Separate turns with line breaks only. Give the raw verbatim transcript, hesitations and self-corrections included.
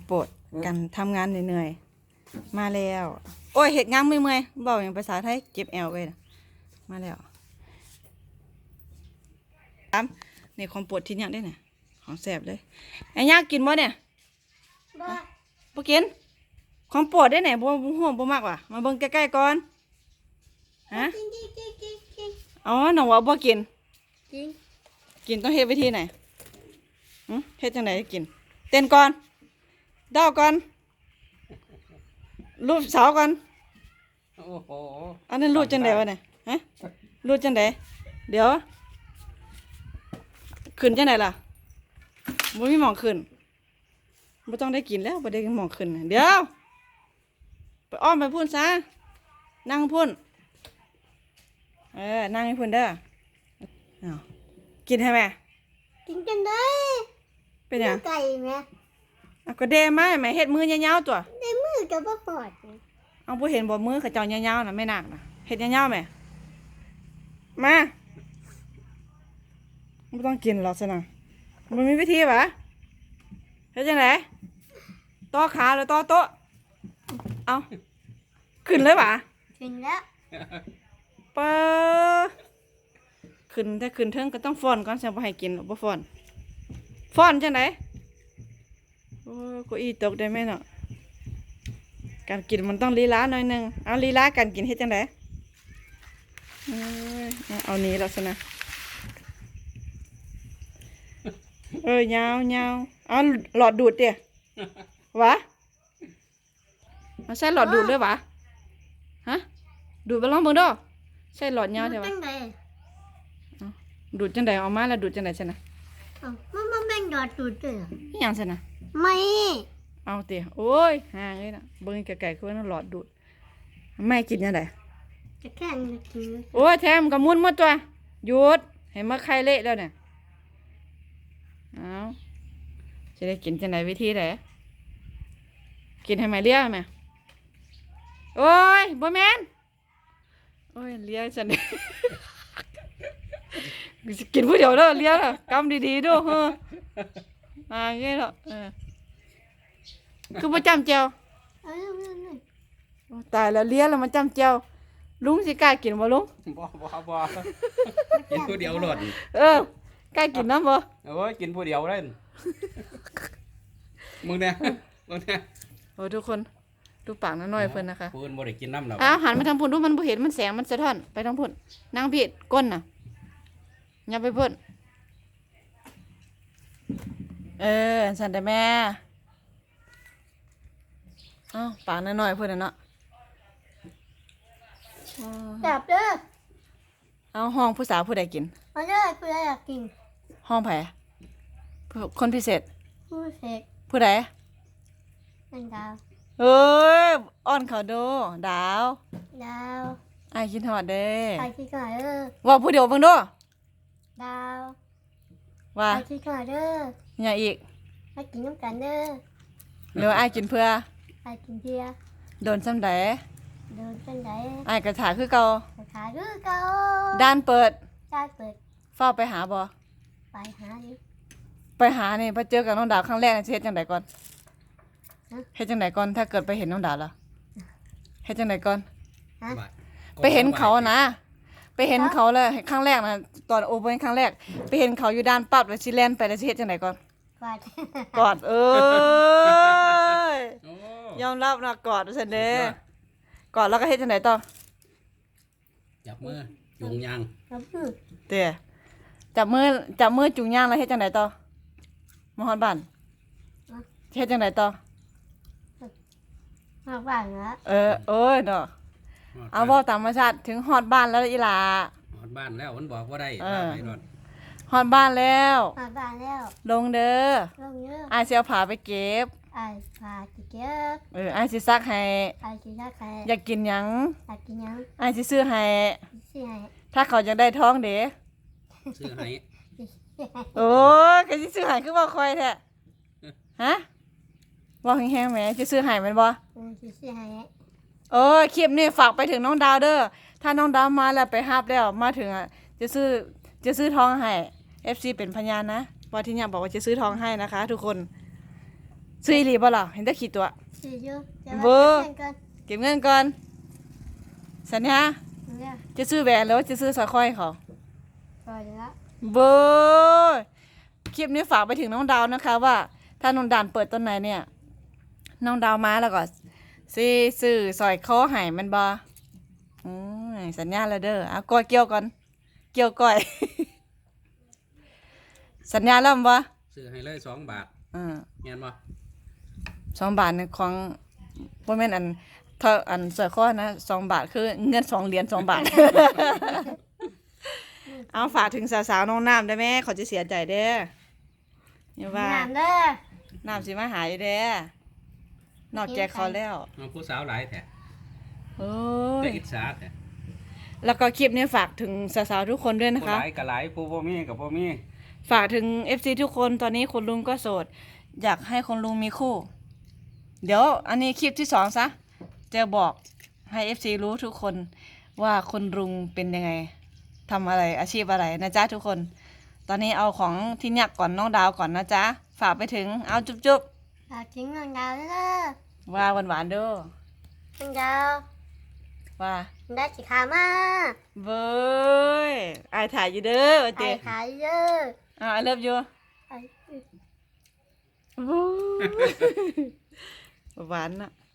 โปรดกันทำงานเหนื่อยๆมาแล้วโอ้ยเห็ดงามเมื่อยๆบอกอย่างภาษาไทยเก็บแอลไว้นะมาแล้วตามนี่ของโปรดที่เนี่ยได้เนี่ยของแสบเลยไอ้ยากกินบ่เนี่ยบ่กินของโปรดได้ไหนบ่ห่วงบ่มากว่ะมาเบิ่งใกล้ๆก่อนฮะอ๋อน้องว่าบ่กินกินต้องเฮ็ดวิธีไหนหึเฮ็ดจังได๋กินเต้นก่อนดาวก่อนรูปสาวก่อนโอ้โหอันนั้นรูปจังได๋วะเนี่ยฮะรูปจังได๋เดี๋ยวขึ้นจังได๋ล่ะบ่มีหม่องขึ้นบ่ต้องได้กินแล้วบ่ได้หม่องขึ้นเดี๋ยวไปอ้อมไปพุ่นซะนั่งพุ่นเออนั่งให้พุ่นเด้ออ้าวกินให้แม่
กินกันได้
เป็นหยัง
ไก่แม่
เอาก็เดมาแม่เฮ็ดมือยาวๆตัว
ได้มือจะบ่ปอด
เอาบ่เห็นบ่มือเขาเจ้ายาวๆน่ะไม่หนักน่ะเฮ็ดยาวๆแม่มาบ่ต้องกินหรอกซะนะมันมีวิธีปะเฮ็ดจังได๋ต่อขาหรือต่อโต๊ะเอาขึ้นเลยปะ
กินแล้ว
เปอขึ้นแต่ขึ้นเทิงก็ต้องฟ้อนก่อนสิบ่ให้กินหรอกบ่ฟ้อนฟ้อนจังได๋โอ้เก้าอี้ตกได้ไหมเนาะการกินมันต้องลีลาหน่อยนึงเอาลีลาการกินเฮ็ดจังได๋เอ้ยเอานี้แล้วซะนะเอ้ยยาวยาวเอาหลอดดูดเด้วะมาใส่หลอดดูดด้วยวะฮะดูดไปลองเบิ่งดูใส่หลอดยาวใช่ปะดูดจังได๋เอามาแล้วดูดจังได๋ซะนะ
มันมันแม่งหลอดดูดด้วย
อีหยังซะนะ
ไม่
เอาเตะโอ้ยห่างเลยนะเบิ่งไกลๆคือว่าหลอดดูดแม่กินยังไง
จะแค่นี้กิน
โอ้ยแถมกับมุนหมดตัวหยุดให้มาไข่เละแล้วเนี่ยเอาจะได้กินจังไหนวิธีไหนกินให้แม่เลี้ยแม่โอ้ยบ่แม่นโอ้ยเลี้ยฉันกินผู้เดียวเด้อเลี้ยน่ะกำดีๆด้วยเฮ้ออ่าเงี้ยเหรอเออคือมาจำเจียวตายแล้วเลี้ยแล้วมาจำเจียวลุงสิกล้ากินบ่ลุง
บ่บ่บ่กินผู้เดียวหลด
เออกล้ากินน้ำบ่
โอ้ยกินผู้เดียวเลยมึงเนี่ยมึงเนี่ย
โอ้ทุกคนดูปากน้อยๆเพิ่นนะคะ
พูนบ่ได้กินน้ำหรอก
อ้าวหันมาทางพุ่นดูมันบ่เห็นมันแสงมันสะท้อนไปทางพุ่นนางผิดก้นน่ะอย่าไปพุ่นเออสั่นแต่แม่อ้าวปากน้อยๆเพิ่นน่ะเนาะ
จับเด้อ
เอาห้องผู้สาวผู้ใดกิน
เอาเด้อผู้ใดอยากกิน
ห้องไผคนพิเศษ
ผู้เศษ
ผู้ใด
เป็นดาว
เอ้ยอ้อนเขาดูดาว
ดาว
ไอ้กินหอดเด้
ไอ้ที่ก่อนเด้อ
ว่าผู้เดียวเบิ่งดู
ดาว
ว่า
ไอ้ที่ก่อนเด้อ
อย่าอีก
ไอ้กินน้ำกันเด้อ
เดี๋ยวไอ้กินเพื่อ
ไอ้กินเบียร์
โดนซ้ำใด
โดนซ้ำใด
ไอ้กระถาคือเก่าก
ระถาคือเก่า
ด้านเปิด
ด้านเปิด
เฝ้าไปหาบ่
ไปหาอยู่
ไปหานี่พอเจอกับน้องดาวครั้งแรกเฮ็ดจังไดก่อนเฮ็ดจังไดก่อนถ้าเกิดไปเห็นน้องดาวล่ะเฮ็ดจังไดก่อนไปเห็นเขานะไปเห็นเขาแล้วครั้งแรกนะตอนโอเพ่นครั้งแรกไปเห็นเขาอยู่ด้านปั๊บแล้วสิแล่นไปแล้วสิเฮ็ดจังไดก่อน
กอด
กอดเอ้ยยอมรับนะกอดซั่นเด้กอดแล้วก็เฮ็ดจังไดต่อ
จับมือจุงยาง
จับมือ
เด้จับมือจับมือจุงยางแล้วเฮ็ดจังไดต่อมาฮอดบ้านเฮ็ดจังไดต่อ
ฮอดบ้านแล้ว
เออโอ้ยเนาะเอาเว้าตามธรรมชาติถึงฮอดบ้านแล้วอีหล่า
ฮอดบ้านแล้วมันบอกว่าได้ไปรถ
ฮอดบ้านแล้ว
ฮอดบ้านแล้ว
ลงเด้อ
ลงเด้อ
อ้ายสิเอาผ้าไปเก็บ
อ้ายผ้าสิเก็บ
เอออ้ายสิซักให้
อ้ายสิซักให้
อยากกินหยัง
อยากกินหยัง
อ้ายสิซื้อให้
ซื้อให้
ถ้าเขาอยากได้ท้องเด้
ซื้อให้
โอ้ยก็สิซื้อให้คือบ่ค่อยแท้ฮะว่าแห้งๆแหมจะซื้อให้แม่นบ่
อือสิซื้อให้
เออคลิปนี้ฝากไปถึงน้องดาวเด้อถ้าน้องดาวมาแล้วไปรับแล้วมาถึงอ่ะจะซื้อจะซื้อทองให้ เอฟ ซี เป็นพยานนะว่าที่เนี่ยบอกว่าจะซื้อทองให้นะคะทุกคนซื้ออีหลีบ่ล่ะเห็นแต่ขี้ตัว
ซื้ออยู่จะ
เว้อ
เงินกัน
เก็บเงินก่อนสัญญา
เนี่ย
จะซื้อแหวนหรือว่าจะซื้อสร้อยคอให้เขา
ปล่อยละ
เบยคลิปนี้ฝากไปถึงน้องดาวนะคะว่า ถ้าน้องดานเปิดต้นไหนเนี่ย น้องดาวมาแล้วก็ซื้อซื้อสร้อยคอให้มันบ่อืมสัญญาแล้วเด้อเอาก้อยเกี่ยวก่อนเกี่ยวก้อย สัญญาแล้วมั้ยบ่
ซื้อให้เลยสองบาท
อืม
แม่นบ่
สองบาทเนี่ยของบ่แม่นอันเท่าอันสร้อยคอนะสองบาทคือเงินสองเหรียญสองบาท เอาฝากถึงสาวๆน้องน้ำได้ไหมเขาจะเสียใจเด้ออย่าว่า
น้ำเด้อ
น้ำสิมาหายเด้อนอกแจกเขาแล้ว
เอาผู้สาวหลายแท้
โอ้
แต่
ย
อิจฉาแท้
แล้วก็คลิปนี้ฝากถึงสาวๆทุกคนด้วยนะ
ผู้
คะ
หลายก็หลายผู้บ่มีก็บ่มี
ฝากถึง เอฟ ซี ทุกคนตอนนี้คุณลุงก็โสด อยากให้คุณลุงมีคู่ เดี๋ยวอันนี้คลิปที่สองซะจะบอกให้ เอฟ ซี รู้ทุกคนว่าคุณลุงเป็นยังไงทำอะไรอาชีพอะไรนะจ๊ะทุกคน ตอนนี้เอาของที่ยักก่อนน้องดาวก่อนนะจ๊ะฝากไปถึงเอาจุ๊บ
ฝากถึงน้องดาวเด้อ
ๆว่าหวานๆเด้อ
น้องดาว
ว่า
ได้สิขามา
เบ้ยอายถ่ายอยู่เด้อ
ไป
เจ๊
ขายเด้อ
อ่าเลิฟอยู่
ไป
หวานน่ะ